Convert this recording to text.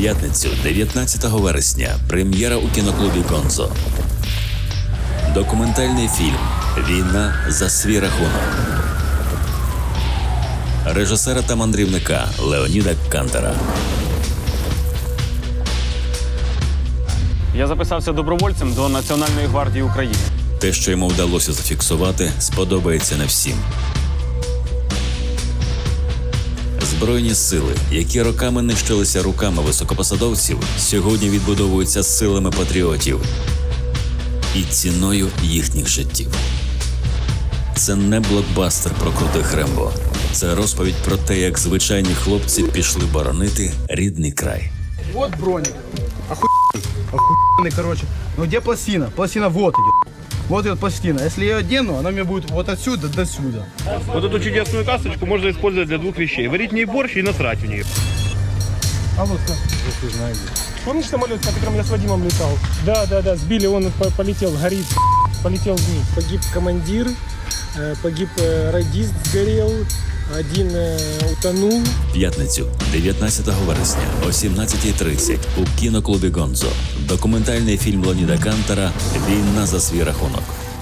П'ятницю, 19 вересня, прем'єра у кіноклубі «Гонзо». Документальний фільм «Війна за свій рахунок» режисера та мандрівника Леоніда Кантера. Я записався добровольцем до Національної гвардії України. Те, що йому вдалося зафіксувати, сподобається не всім. Збройні сили, які роками нищилися руками високопосадовців, сьогодні відбудовуються силами патріотів і ціною їхніх життів. Це не блокбастер про крутих Рембо. Це розповідь про те, як звичайні хлопці пішли боронити рідний край. Вот броник. Охуенный, короче. Ну где пластина? Пластина вот идет. Вот идет пластина. Если я ее одену, она мне будет вот отсюда до сюда. Вот эту чудесную касточку можно использовать для двух вещей. Варить в ней борщ и насрать в нее. А вот как? Я знаю. Помнишь самолет, на котором я с Вадимом летал? Да, сбили, он полетел, горит, полетел вниз. Погиб командир, погиб радист, сгорел, один утонул. П'ятницю, 19 вересня о 17:30 у кіноклубі «Гонзо». Документальний фільм Леоніда Кантера «Війна за свій рахунок».